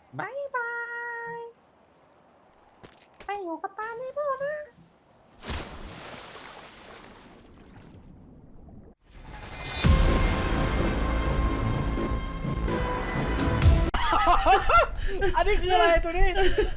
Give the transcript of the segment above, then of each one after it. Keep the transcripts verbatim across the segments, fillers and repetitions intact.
บายบายไปอยู่กับตาในพ่อนะอันนี้คืออะไรตัวนี้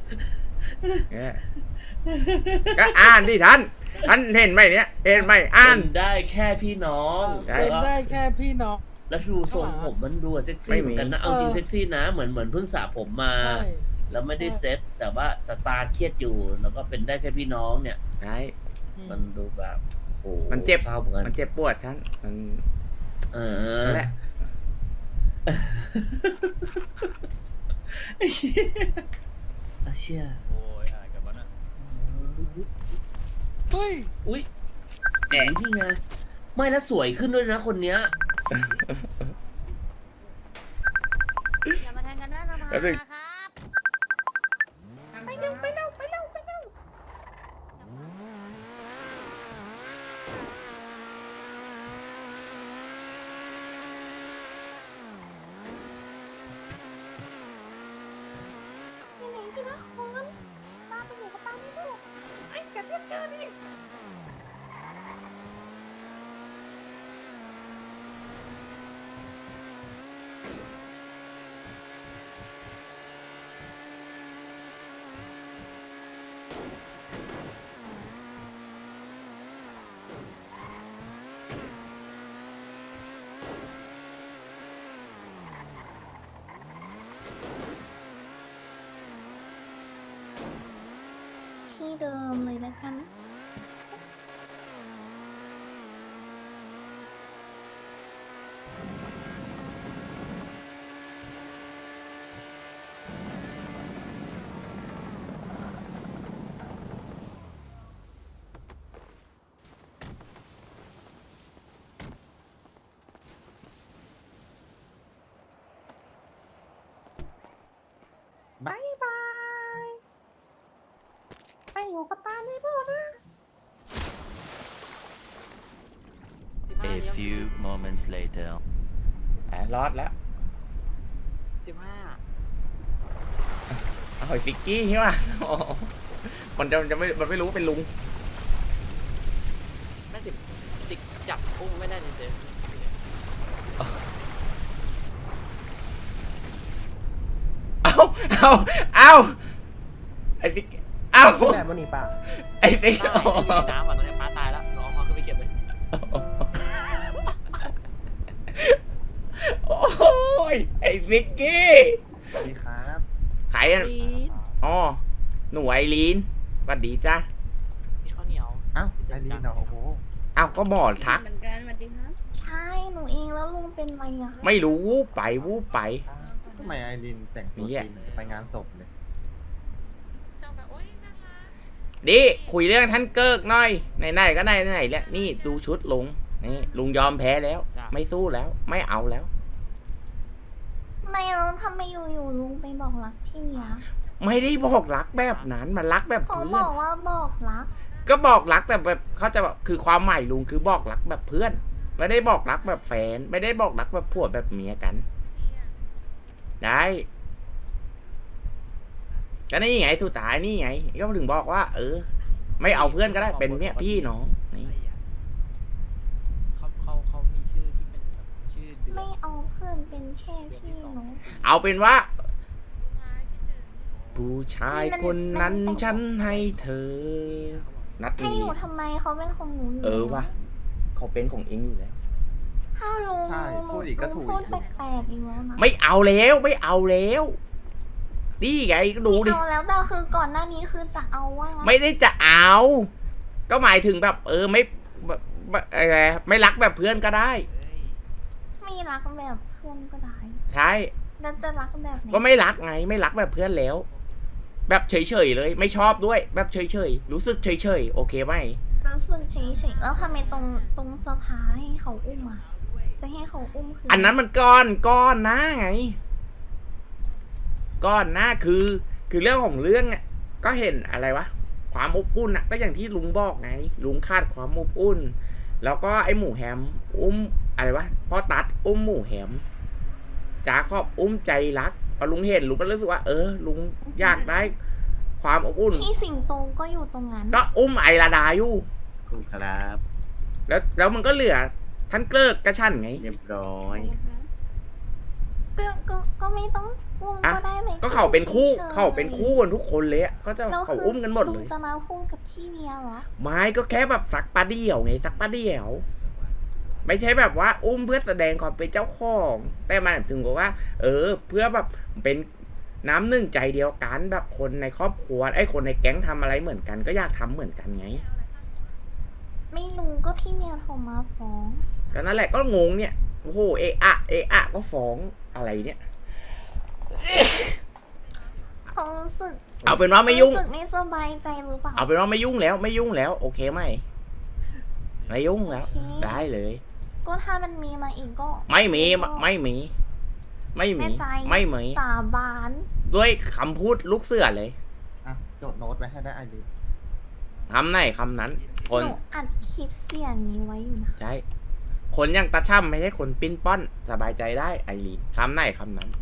ก็อ่านดิท่านท่านเห็นไหมเนี่ยเห็นไหมอ่านเป็นได้แค่พี่น้องเป็นได้แค่พี่น้องแล้วดูทรงผมมันดูเซ็กซี่เหมือนกันนะเอาจริงเซ็กซี่นะเหมือนเหมือนเพิ่งสระผมมาแล้วไม่ได้เซ็ตแต่ว่าตาตาเครียดอยู่แล้วก็เป็นได้แค่พี่น้องเนี่ยใช่มันดูแบบโอ้มันเจ็บเศร้าเหมือนกันมันเจ็บปวดท่านมันเออแหละไอ้เชี่ยไอ้เชี่ยโอ้ยอ่านกันวะน่ะเฮ้ยอุ้ยแหงพี่ไงไม่แล้วสวยขึ้นด้วยนะคนเนี้ยอย่ามาแทงกันหน้าสภาครับไปเร็วไปเร็วไปเร็วไปเร็วที่ไหนที่นครป้าไปอยู่กับป้าไม่รู้ไอ้กระเทียมเจอนี่ที่เดิมเลยแล้วกันบายบายไปอยู่กับตาในพ่อนะ A few moments later แอบรอดแล้วสิบห้าเอาไอ้ฟิกกี้ใช่ป่ะมันจะจะไม่มันไม่รู้เป็นลุงไม่สิบติดจับกุ้งไม่ได้เฉยเอาเอาเอาไอ้ฟิกเอาแบบมันหนีป่าไอ้ฟิกๆไม่มีน้ำอ่ะตอนนี้ป้าตายแล้วรอเขาขึ้นไปเก็บเลยโอ้ยไอ้ฟิกกี้สวัสดีครับใครอ่ะอ๋อหนูไอรีนสวัสดีจ้ามีข้าวเหนียวอ้าวไอรีนเหรอโอ้โหอ้าวก็บอกทักเหมือนกันสวัสดีครับใช่หนูเองแล้วลุงเป็นไรอ่ะไม่รู้วูบไปวูบไปทำไมไอรีนแต่งตัวจีนไปงานศพเลยดิคุยเรื่องท่านเกิกหน่อยไหนๆก็ไหนไหนแล้วนี่ดูชุดลุงนี่ลุงยอมแพ้แล้วไม่สู้แล้วไม่เอาแล้วไม่แล้วทำไมอยู่ๆลุงไปบอกรักพี่เนี้ยไม่ได้บอกรักแบบนั้นมันรักแบบเขาเพื่บอนอกว่าบอกรักก็บอกรักแต่แบบเขาจะแบบคือความหมายลุงคือบอกรักแบบเพื่อนไม่ได้บอกรักแบบแฟนไม่ได้บอกรักแบบผัวแบบเมียกันได้ก็นี่ไงสุดท้ายนี่ไงก็ถึงบอกว่าเออไม่เอาเพื่อนก็ได้เป็นเนี่ยพี่น้องนี่เขาเขาเขามีชื่อที่เป็นแบบชื่อเดือนไม่เอาเพื่อนเป็นแค่พี่น้องเอาเป็นว่าผู้ชายคนนั้นฉันให้เธอนัดให้นี้หนูทำไมเขาเป็นของหนูอยู่เออวะเขาเป็นของเองอยู่แล้วถ้าลุงใช่พูดอีกก็ถูกพูดแปลกๆอีกแล้วนะไม่เอาแล้วไม่เอาแล้วนี่ไงก็ดูดิเอาแล้วแต่คือก่อนหน้านี้คือจะเอาว่างั้นไม่ได้จะเอา ก็หมายถึงแบบ เออไม่แบบอะไรไม่รักแบบเพื่อนก็ได้ไม่รักแบบเพื่อนก็ได้ใช่แล้วจะรักแบบไหนก็ไม่รักไงไม่รักแบบเพื่อนแล้ว แบบเฉยๆเลย ไม่ชอบด้วย แบบเฉยๆรู้สึกเฉยๆโอเคไหมรู้สึกเฉยๆแล้วทำไมตรงตรงสภาให้เขาอุ้มอ่ะจะให้เขาอุ้มคืออัอันนั้นมันก้อนก้อนนะไงก้อนนะคือ คือเรื่องของเรื่องอ่ะก็เห็นอะไรวะความอบอุ่นอ่ะก็อย่างที่ลุงบอกไงลุงคาดความอบอุ่น แล้วก็ไอหมูแฮมอุ้มอะไรวะพ่อตัดอุ้มหมูแฮมจ๋าครอบอุ้มใจรักพอลุงเห็นลุงก็รู้สึกว่า เออ ลุงอยากได้ความอบอุ่นพี่สิงโตก็อยู่ตรงนั้นก็อุ้มไอราดาอยู่คุณครับแล้วแล้วมันก็เหลือ ท่านเกลิกกระชั้นไงเรียบร้อยก็ก็ก็ไม่ต้องอุ้มอ่ะก็ได้ไหมก็เขาเป็นคู่ฉยๆเขาเป็นคู่กันทุกคนเลยอะก็จะแล้วเขาคือุ้มกันหมดลุเลงยจะมาคู่กับพี่เดียวเหรอไม้ก็แค่แบบสักปลาเดี่ยวไงสักปลาเดี่ยว ไม่ใช่แบบว่า อุ้มเพื่อแสดงความเป็นเจ้าของ แต่มันถึงกับว่า เออ เพื่อแบบเป็นน้ำหนึ่งใจเดียวกันแบบคนในครอบครัวไอ้คนในแก๊งทำอะไรเหมือนกัน ก็อยากทำเหมือนกันไงไม่รู้ก็พี่เมียโทรมาฟ้องก็นั่นแหละก็งงเนี่ยโอ้โหเอะอะเอะอะก็ฟ้องอะไรเนี่ยเขารู้สึกเอาเป็นว่าไม่ยุ่งรู้สึกไม่สบายใจหรือเปล่าเอาเป็นว่าไม่ยุ่งแล้วไม่ยุ่งแล้ว โอเคไหมไม่ยุ่งแล้วโอเคได้เลยก็ถ้ามันมีมาอีกก็ไม่มีไม่มี ไม่มีแน่ใจไม่มีสาบานด้วยคำพูดลูกเสือเลยอ่ะจดโน้ตไว้ให้ได้ไอรินคำไหนคำนั้น คหนนูอัดคลิปเสียงนี้ไว้อยู่นะใช่คนอย่างตาช่ำไม่ใช่คนปิ้นป้อนสบายใจได้ไอรีนคำไหนคำนั้น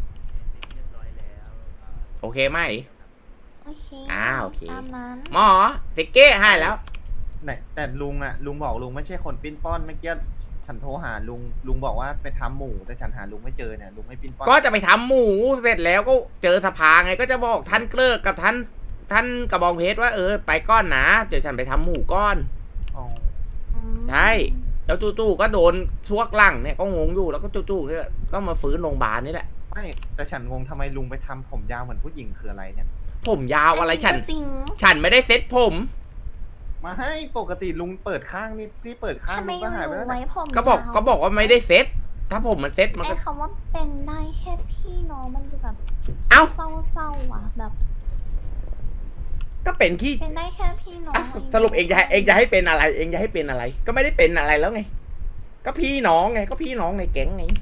โอเคไหมโอเคอ่าโอเคตามนั้นหมอติกเก้ให้แล้วไหนแต่ลุงอะลุงบอกลุงไม่ใช่คนปิ้นป้อนเมื่อกี้ฉันโทรหาลุงลุงบอกว่าไปทำหมูแต่ฉันหาลุงไม่เจอเนี่ยลุงไม่ปิ้นป้อนก็จะไปทำหมูเสร็จแล้วก็เจอสภาไงก็จะบอกท่านเกลิกกับท่านท่านกระบองเพชรว่าเออไปก้อนนะเดี๋ยวฉันไปทำหมูก้อนอ๋ออืมใช่แล้วจู่ๆก็โดนชวกหลังเนี่ยก็งงอยู่แล้วก็จู่ๆเนี่ยก็มาฟื้นโรงพยาบาลนี่แหละไม่แต่ฉันงงทำไมลุงไปทำผมยาวเหมือนผู้หญิงคืออะไรเนี่ยผมยาวอะไรฉันก็จริงฉันไม่ได้เซ็ตผมมาให้ปกติลุงเปิดข้างนี่ที่เปิดข้างทำไมลุงก็หายไปรู้แล้วไว้นะผมก็บอกยาวก็บอกว่าไม่ได้เซ็ตถ้าผมมันเซ็ตมันไอ้ก็คำว่าเป็นได้แค่พี่น้องมันดูแบบเอ้าเศร้าๆอ่ะแบบก็เป็นที่เป็นได้แค่พี่น้องอ่ะสรุปเองจะให้เองจะให้เป็นอะไร เองจะให้เป็นอะไร ก็ไม่ได้เป็นอะไรแล้วไง ก็พี่น้องไงก็พี่น้องในแก๊งไง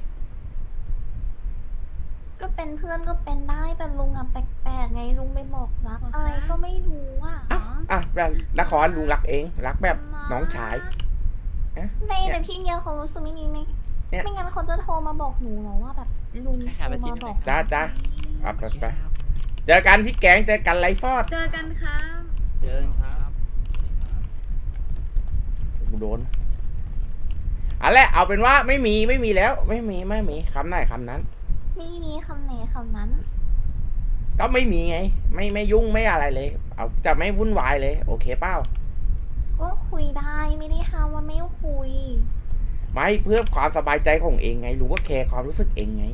ก็เป็นเพื่อนก็เป็นได้แต่ลุงอ่ะแปลกๆไงลุงไปบอกรักอะไรก็ไม่รู้อ่ะอ่ะอ่ะแบบละครลุงรักเองรักแบบน้องชายไม่แต่พี่เนี่ยเขารู้สึกไม่ดีไม่เนี่ยไม่งั้นเขาจะโทรมาบอกหนูหรอว่าแบบลุงแค่โทรขาไปจิ้มาม บอกจ้าจ้าอ่ะไปไปเจอกันที่แก๊งเจอกันไลฟ์ฟอร์ดเจอกันครับเจอกันครับกูโดนเอะไรเอาเป็นว่าไม่มีไม่มีแล้ว ไม่มีไม่มีคำไหนคำนั้นไม่มีคำไหนคำนั้นก็ไม่มีไง ไม่ไม่ยุ่งไม่อะไรเลย เอาจะไม่วุ่นวายเลย โอเคเปล่าก็คุยได้ไม่ได้ห้ามว่าไม่คุยไม่เพื่อความสบายใจของเองไงลุงก็แคร์ความรู้สึกเองไง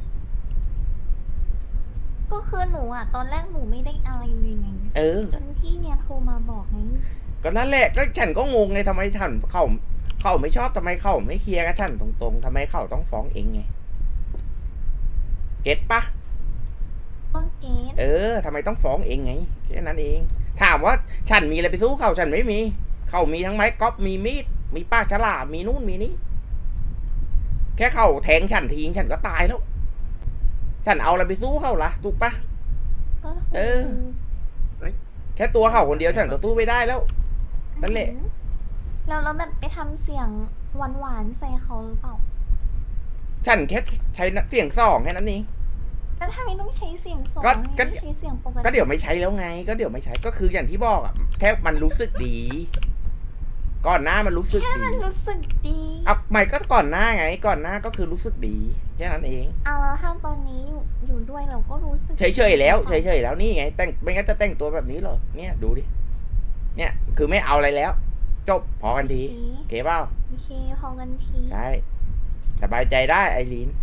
ก็คือหนูอ่ะ ตอนแรกหนูไม่ได้อะไรเลยไงเออจนพี่เนี่ยโทรมาบอกไงก็นั่นแหละก็ฉันก็งงไงทำไมฉันเขาเขาไม่ชอบทำไมเขาไม่เคลียร์กับฉันตรงๆทำไมเขาต้องฟ้องเองไงเก็ตปะก็เกตเออทำไมต้องฟ้องเองไงแค่นั้นเอง ถามว่าฉันมีอะไรไปสู้เขาฉันไม่มี เขามีทั้งไม้ก๊อฟมีมีดมีป้าฉลามมีนู่นมีนี่แค่เขาแทงฉันทิ้งฉันก็ตายแล้ว ฉันเอาอะไรไปสู้เขาล่ะถูกปะก็ถูกเออ แค่ตัวเขาคนเดียวฉันก็สู้ไม่ได้แล้ว นั่นแหละแล้วเราแบบไปทำเสียงหวานๆใส่เขาหรือเปล่าฉันแค่ใช้เสียงสองแค่นั้นเองแล้วทำไมต้องใช้เสียงสองก็ก็ไม่ใช้เสียงปกติก็เดี๋ยวไม่ใช้แล้วไง ก็เดี๋ยวไม่ใช้ก็คืออย่างที่บอกอ่ะแค่มันรู้สึกดี ก่อนหน้ามันรู้สึกแค่ดีมันรู้สึกดีเอาไม่ก็ก่อนหน้าไง ก่อนหน้าก็คือรู้สึกดีแค่นั้นเองเอาแล้วถ้าตอนนี้อยู่อยู่ด้วยเราก็รู้สึกเฉยๆแล้วเฉยๆแล้วนี่ไง แต่งไม่งั้นจะแต่งตัวแบบนี้เหรอเนี่ยดูดิเนี่ยคือไม่เอาอะไรแล้ว จบพอกันทีโอเคโอเคเปล่าโอเคพอกันทีใช่สบายใจได้ไอรีน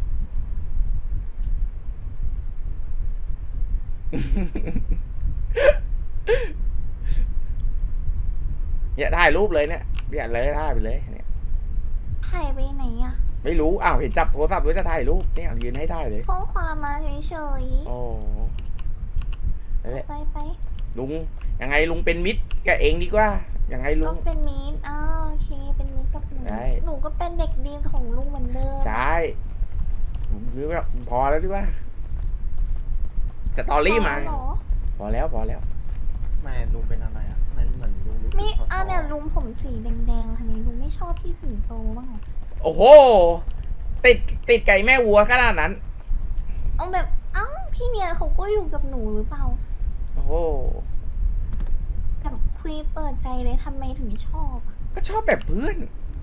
เนี่ยถ่ายรูปเลยเนี่ยเนี่ยเลยถ่ายไปเลยเนี่ยถ่ายไปไหนอะไม่รู้อ้าวเห็นจับโทรศัพท์ด้วยจะถ่ายรูปเนี่ยยืนให้ถ่ายเลยข้อความมาเฉยโอ้นั่นแหละๆไปไปลุงยังไงลุงเป็นมิตรกับเองดีกว่ายังไงลุก็งเป็นมิตรอ้าวโอเคเป็นมิตรกับหนูได้หนูก็เป็นเด็กดีของลุงเหมือนเดิมใช่หรือว่าพอแล้วดีกว่าจะตอรี่มาพอเหรอพอแล้วพอแล้วแม่ลุงเป็นอะไรอ่ะมันเหมือนลุงรู้สึกไม่ท้อๆอ่ะเนี่ยลุงผมสีแดงๆทำไมลุงไม่ชอบพี่สิงโตบ้างเหรอโอ้โห ติดติดไก่แม่วัวขนาดนั้นเอาแบบเอ้าพี่เนียเขาก็อยู่กับหนูหรือเปล่าโอ้โหแบบคุยเปิดใจเลยทำไมถึงชอบอะก็ชอบแบบเพื่อน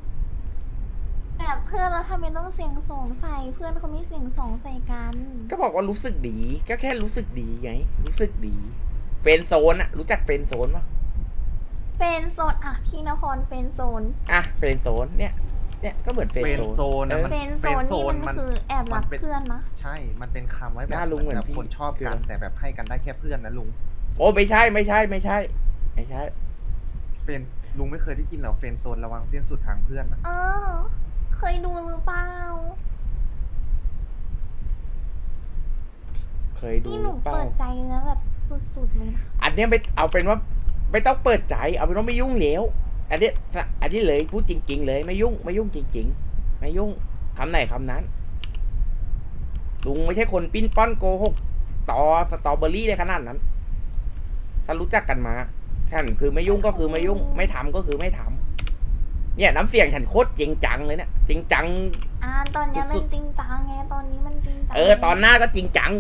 แบบเพื่อนแล้วทำไมต้องเสียงสองใส่เพื่อนเขาไม่เสียงสองใส่กันก็บอกว่ารู้สึกดี ก็แค่รู้สึกดีไง รู้สึกดี เฟรนด์โซนอะรู้จักเฟรนด์โซนปะเฟนโซนอะพี่นครเฟนโซนอ่ะเฟรนด์โซนเนี่ย เนี่ยก็เหมือนเฟรนเฟรด์นโซโซนนนะเออมันเฟนโซเฟรนนโซนี่นมัมัน นคือแอบรักมันเป็นเพื่อนนะใช่ มันเป็นคำไว้แบหบน้าลุงเหมือนแบบพี่คนชอบคือกันแต่แบบให้กันได้แค่เพื่อนนะลุงโอ้ไม่ใช่ไม่ใช่ไม่ใช่ ไม่ใช่เฟรนลุงไม่เคยได้ยินหรอเฟรนโซนระวังเส้นสุดทางเพื่อนนะเออ เคยดูหรือเปล่าเคยดูนี่หหรืนูอเปล่าเปิดใจนะแบบสุดๆเลยนะอันเนี้ยไม่เอาเป็นว่าไม่ต้องเปิดใจ เอาเป็นว่าไม่ยุ่งแล้วอันเนี้ยอันนี้เลยพูดจริง ๆ เลยไม่ยุ่งไม่ยุ่งจริง ๆ ไม่ยุ่งคำไหนคำนั้น ลุงไม่ใช่คนปิ้นป้อนโกหกต่อสตรอเบอรี่ได้ขนาดนั้น ถ้ารู้จักกันมาฉันคือไม่ยุ่งก็คือไม่ยุ่ง ไม่ทำก็คือไม่ทำเนี่ยน้ำเสียงฉันโคตรจริงจังเลยเนี่ยจริงจังอ่าตอนเนี้ยมัสุนดๆจริงจังไงตอนนี้มันจริงจังเออตอนหน้าก็จริงจัง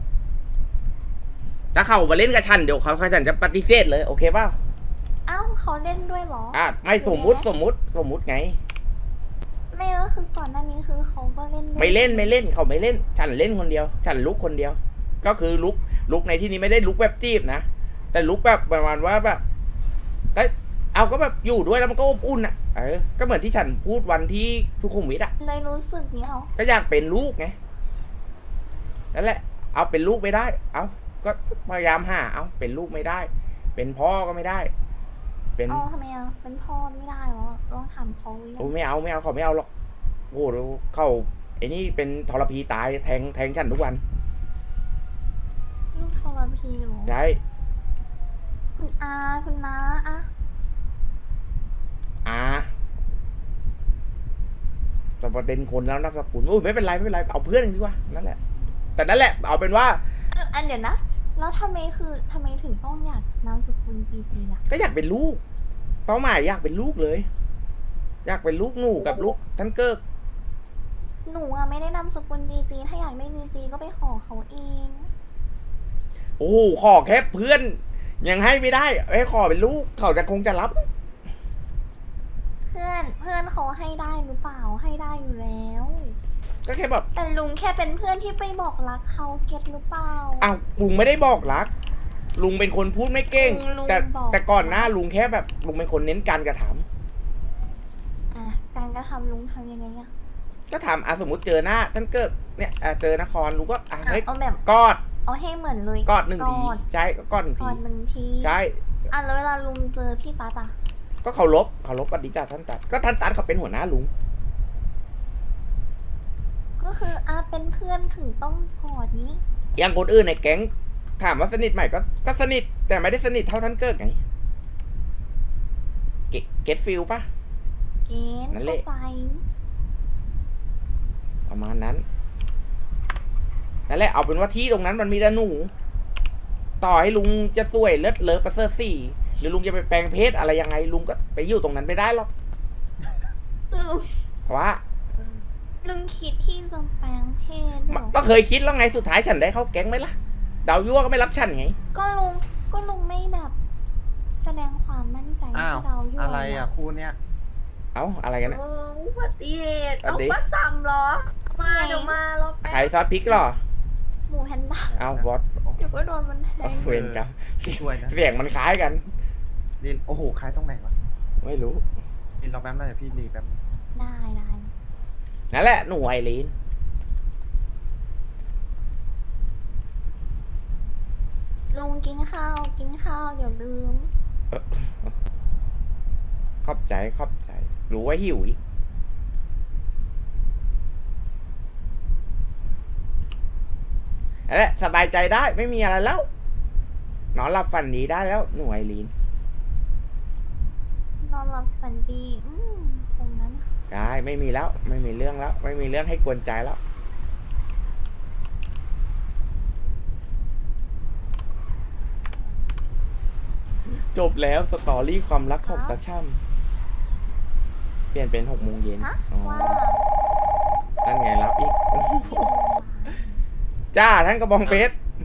ถ้าเขามาเล่นกับฉันเดี๋ยวเขาฉันจะปฏิเสธเลยโอเคป่ะเอ้าเขาเล่นด้วยเหรออ่ะไม่สมมุติสมมุติสมมุติไงไม่ก็คือก่อนหน้านี้คือเขาก็เล่นด้วยไม่เล่นไม่เล่นเขาไม่เล่น ฉันเล่นคนเดียว ฉันลุกคนเดียว ก็คือลุกลุกในที่นี้ไม่ได้ลุกแบบจีบนะแต่ลุกแบบประมาณว่าแบบก็เอาก็แบบอยู่ด้วยแล้วมันก็อบอุ่นอ่ะเออก็เหมือนที่ฉันพูดวันที่ทุกขุมวิทอ่ะเลยรู้สึกเนี้ยเอาก็อยากเป็นลูกไงนั่นแหละ เอาเป็นลูกไม่ได้ เอาก็พยายามหาเอาเป็นลูกไม่ได้ เป็นพ่อก็ไม่ได้ เป็นเอาทำไมอ่ะเป็นพ่อไม่ได้เหรอลองถามเขาหรือยัโอ้งไม่เอาไม่เอาเขาไม่เอาหรอกโอ้โหเขาไอ้นี่เป็นทรพีตายแทงแทงฉันทุกวันลูกทรพีเหรอใช่คุณอาคุณน้าอะอ่าแต่ประเด็นคนแล้วนับสกุลโอ้ยไม่เป็นไรไม่เป็นไรเอาเพื่อนดีกว่านั่นแหละ แต่นั่นแหละเอาเป็นว่าอ่ะอันเดี๋ยวนะแล้วทำไมคือทำไมถึงต้องอยากนามสกุลจีจีอ่ะก็อยากเป็นลูก เป้าหมายอยากเป็นลูกเลย อยากเป็นลูกหนูกับลูกท่านเกิกหนูอะไม่ได้นามสกุลจีจีถ้าอยากได้จีจีก็ไปขอเขาเองโอ้โหขอแค่เพื่อน ยังให้ไม่ได้ไอ้ขอเป็นลูกเขาจะคงจะรับเพื่อนเพื่อนเขาให้ได้หรือเปล่าให้ได้อยู่แล้วก็แค่แบบแต่ลุงแค่เป็นเพื่อนที่ไปบอกรักเขาเก็ตหรือเปล่าอ้าวลุงไม่ได้บอกรัก ลุงเป็นคนพูดไม่เก่งลุงแต่บอกแต่ก่อนหน้าลุงแค่แบบลุงเป็นคนเน้นการกระทำอ่ะการกระทำลุงทำยังไงอะก็ทำอ่ะสมมติเจอหน้าท่านเกิกเนี่ยอ่ะเจอนครลุงก็อ่ะอ่ะเฮ้ยเอาแบบกอดเอาให้เหมือนเลยกอดหนึ่งทีกอดใช่ก็กอดหนึ่งกทีอดหนึ่งทีใช่อ่ะแล้วเวลาลุงเจอพี่ตาตาก็เคารพเคารพปฏิจจาท่านตัดก็ท่านตัดเขาเป็นหัวหน้าลุงก็คืออ่ะเป็นเพื่อนถึงต้องกอดนี้อย่างคนอื่นในแก๊งถามว่าสนิทไหมก็ก็สนิทแต่ไม่ได้สนิทเท่าท่านเกิกไงเกเก็ตฟิลปะเกณฑ์นั่นแหเข้าละใจประมาณนั้นนั่นแหละเอาเป็นว่าที่ตรงนั้นมันมีแต่หนู ต่อให้ลุงจะสวยเลิศเลอประเสริฐสี่หรือลุงจะไปแปลงเพศอะไรยังไง ลุงก็ไปอยู่ตรงนั้นไม่ได้หรอกลุงเพราะว่าลุงคิดที่จะแปลงเพศเหรอก็เคยคิดแล้วไงสุดท้ายฉันได้เข้าแก๊งไหมล่ะดาวยั่วก็ไม่รับฉันไงก็ลุงก็ลุงไม่แบบ แสดงความมั่นใจอ้าวให้เราอยู่อะไรอ่ะคู่เนี้ยเอ้าอะไรกันเนี่ยโอ้อุบัติเหตุอันเอานี้ป้าซ้ำเหรอ มาเดี๋ยวมารอแป๊ขายบซอสพริกเหรอหมูแพนด้าเอาบอสเดี๋ยวก็โดนมันแทงเวรกับช่วยนะเสียงมันคล้ายกันนี่โอ้โหคล้ายตรงไหนวะไม่รู้นี่รอแป๊บนึงเดี๋ยวพี่รีแป๊บนึงได้ได้นั่นแหละหนูไอรีนลุงกินข้าวกินข้าวเดี๋ยวลืมขอบใจขอบใจ รู้ว่าหิวอีกนั่นแหละสบายใจได้ไม่มีอะไรแล้ว นอนหลับฝันดีได้แล้วหนูไอรีนนอนหลับฝันดีอืมคงนั้นได้ไม่มีแล้ว ไม่มีเรื่องแล้ว ไม่มีเรื่องให้กวนใจแล้ว จบแล้วสตอรี่ความรักของตาช่ำเปลี่ยนเป็นหกโมงเย็นฮะอ๋อว่านั่นไงรับอีก จ้าท่านกระบองเพชร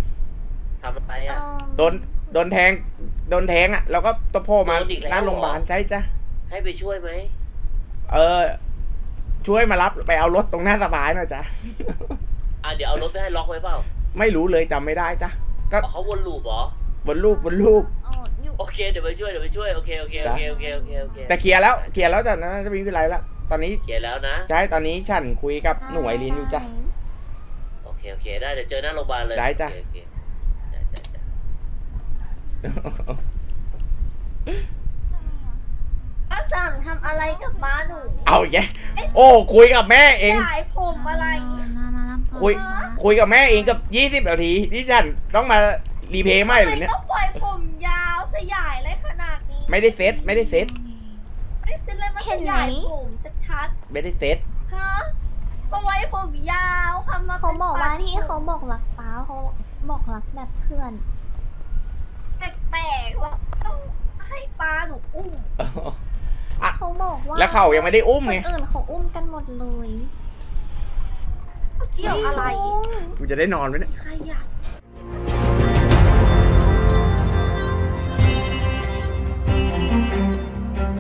โดนโดนแทงโดนแทงอ่ะแล้วก็ตัวพ่อมาหน้าโรงพยาบาลใช่จ้ะให้ไปช่วยไหมเออ ช่วยมารับไปเอารถตรงหน้าสบายหน่อยจ้ะอ่ะเดี๋ยวเอารถไปให้ล็อกไว้เปล่าไม่รู้เลยจำไม่ได้จ้ะก็อ๋อเขาวนลูปเหรอบนรูปบนรูปอ๋ออยู่โอเคเดี๋ยวไปช่วยเดี๋ยวไปช่วยโอเคโอเคโอเคโอเคโอเคโอเคแต่เคลียร์แล้วเคลียร์แล้วจ้ะนะจะไม่มีอะไรแล้วตอนนี้เขียนแล้วนะใช่ตอนนี้ฉันคุยกับหนูไอรีนอยู่จ้ะโอเคโอเคได้เดี๋ยวเจอหน้าโรงพยาบาลเลยได้จ้ะโอเคโอเคได้ได้ได้ป้าสั่งทำอะไรกับม้าหนูเอาอีกแกโอ้คุยกับแม่เองจ่ายผมอะไรมามารับตัวคุยมาคุยกับแม่เองกับยี่สิบนาทีที่ฉันต้องมารีเพย์ใหม่เลยเนี่ยต้องปล่อยผมยาวสยายอะไรขนาดนี้ไม่ได้เซ็ตไม่ได้เซ็ตไม่ได้เส้นเลยมาสยายผมชัดไม่ได้เซ็ตๆฮะมาไว้ผมยาวทำมาเขาบอกว่าป็นที่เขาบอกรักป้าเขาบอกรักแบบเพื่อนแปลกๆว่าต้องให้ป้าหนูอุ้มอ่ะเขาบอกว่าแล้วเขายังไม่ได้อุ้มคไงนอื่นเขาอุ้มกันหมดเลยเกี่ยวอะไรลุงกูจะได้นอนไหมเนี่ยขยะ